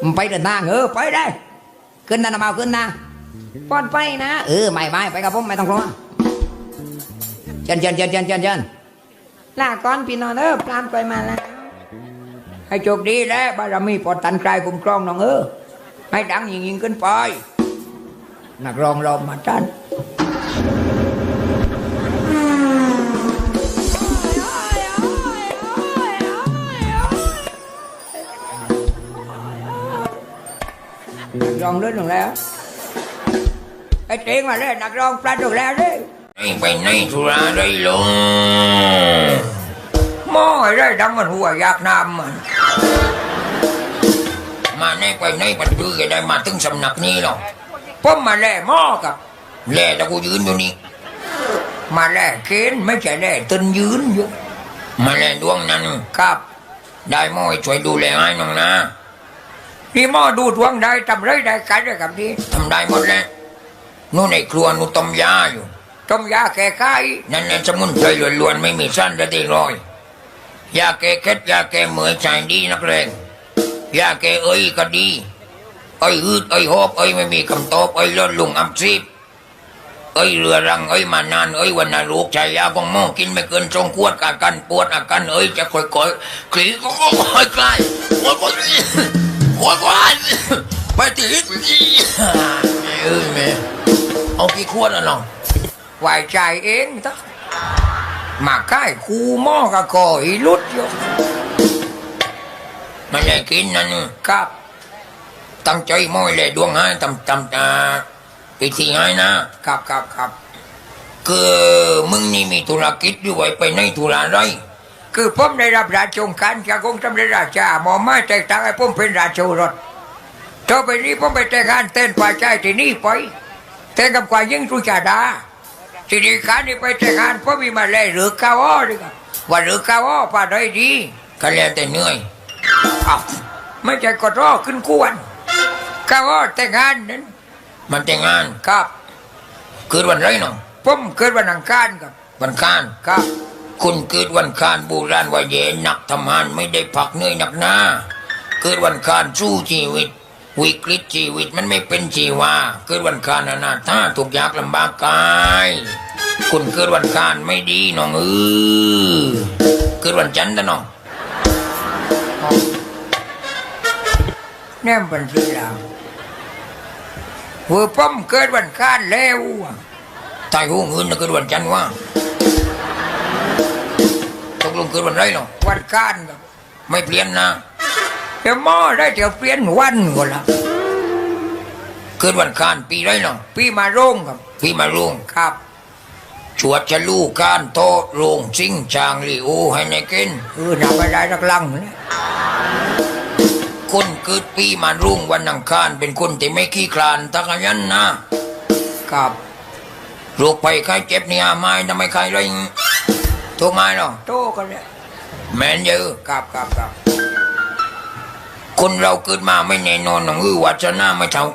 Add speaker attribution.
Speaker 1: ไปเดินทางไปได้ขึ้นนะน้ำเมาขึ้นนะปลอดไปนะไม่ไปกับผมไม่ต้องกลัวเชิญลาก่อนพี่น้องปลามไปมาแล้วให้โชคดีแล้วบารมีปอดตันกลายคุ้มครองน้องให้ดังยิ่งขึ้นไปนักร้องรอมาจันนักร้องเล่นลงแล้วไอ้เจ๋งมาเลยนักร้องปลาถูกแล้วดิ
Speaker 2: ไปไหนธุระได้ลง
Speaker 1: มอไอ้ได้ดังมันหัวอยากนำมัน
Speaker 2: มาไหนไปไหนปัดพื้นได้มาถึงสำนักนี้หรอก
Speaker 1: ผมมาแล่หม้อกับ
Speaker 2: แล่แล้วกูยืนอยู่นี่
Speaker 1: มาแล่เกณฑ์ไม่ใช่แล่ตึนยืนอยู่
Speaker 2: มาแล่ดวงนั้น
Speaker 1: ครับ
Speaker 2: ได้หม้อช่วยดูแลให้น้องนะ
Speaker 1: พี่หม้อดูดวงได้ทำไรได้กันได้กับนี้
Speaker 2: ทำได้หมดแล้วนู่นในครัวนู่นต้มยาอยู่
Speaker 1: ต้มยาแก้ไข้
Speaker 2: นั่นสมุนไพรล้วนๆไม่มีสั้นและได้รอยยาแก้เคล็ดยาแก้เหมื่อยใจดีนักเลงยาแก้ก็ดีอืดหอบไม่มีคำตอบลดลงอับซีบเรือรังมานานวันนาลูกชายยาของหม้อกินไม่เกิน2 ขวดอาการปวดอาการจะค่อยๆคลี่ก็ค่อยๆคลายค่อยๆไปติดแม่เอากี่ขวดน้อง
Speaker 1: ไหวใจเองทักมาใกล้คูหม้อกับคอยลุดอยู่
Speaker 2: มันได้กินนั่น
Speaker 1: ครับ
Speaker 2: ตั้งใจม้อยเลยดวงให้ตำไปที่ให้
Speaker 1: ครับ
Speaker 2: คือมึงนี่มีธุรกิจด้วยไปในธุระไร
Speaker 1: คือผมได้รับราชองการจากองค์สมเด็จราชาหมอมาแต่งตั้งให้ผมเป็นราชโอรสต่อไปนี้ผมไปแต่งงานเต้นป่าใจที่นี่ไปแต่งกับกว่ายิ่งรุจาดาทีนี้ขานี่ไปแต่งงานผมมีมาเลยหรือข้าวดีกว่าหรือข้าวป่าได้ดี
Speaker 2: ก็แล้วแต่เหนื่อย
Speaker 1: ไม่ใช่กดรอขึ้นกวนข้าวแต่งงานนั้น
Speaker 2: มันแต่งงาน
Speaker 1: ครับ
Speaker 2: เกิดวันไรน้อง
Speaker 1: ผมเกิดวันอังคารครับ
Speaker 2: วันอังคาร
Speaker 1: ครับ
Speaker 2: คุณเกิดวันอังคารโบราณว่าเย็นหนักทำงานไม่ได้พักเหนื่อยหนักหน้าเกิดวันอังคารสู้ชีวิตวิกฤตชีวิตมันไม่เป็นชีวาเกิดวันอังคารนาถ้าทุกยากลำบากกายคุณเกิดวันอังคารไม่ดีน้องเกิดวันจันทร์นะน้อง
Speaker 1: แน่เป็นที่เราหัวป้อมเกิดวันคานแล้ว
Speaker 2: ตายหูเงินนะเกิดวันจันทร์ว่าตกลงเกิดวันไรเนาะ
Speaker 1: วันคานครับ
Speaker 2: ไม่เปลี่ยนนะ
Speaker 1: เดี๋ยวหม้อได้เดี๋ยวเปลี่ยนวันก็ละ
Speaker 2: เกิดวันคานปีไรเนาะ
Speaker 1: ปีมาโรงครับ
Speaker 2: ปีมาโรง
Speaker 1: ครับ
Speaker 2: ชวดจะลูกการโตโรงซิงจางลีโอให้ในกิน
Speaker 1: นับไปได้รักลังเนี่ย
Speaker 2: คนเกิดปีมารุ่งวันอังคารเป็นคนที่ไม่ขี้คลานตะกันยันนะครับโรคภัยไข้เจ็บเนี่ยไม่ทำไมใครเลยทุกไม้หรอ
Speaker 1: โตกันเนี่ย
Speaker 2: แมนเยอะ
Speaker 1: ครับ
Speaker 2: คนเราเกิดมาไม่แน่นอนหนังวัฒนาไม่เท่า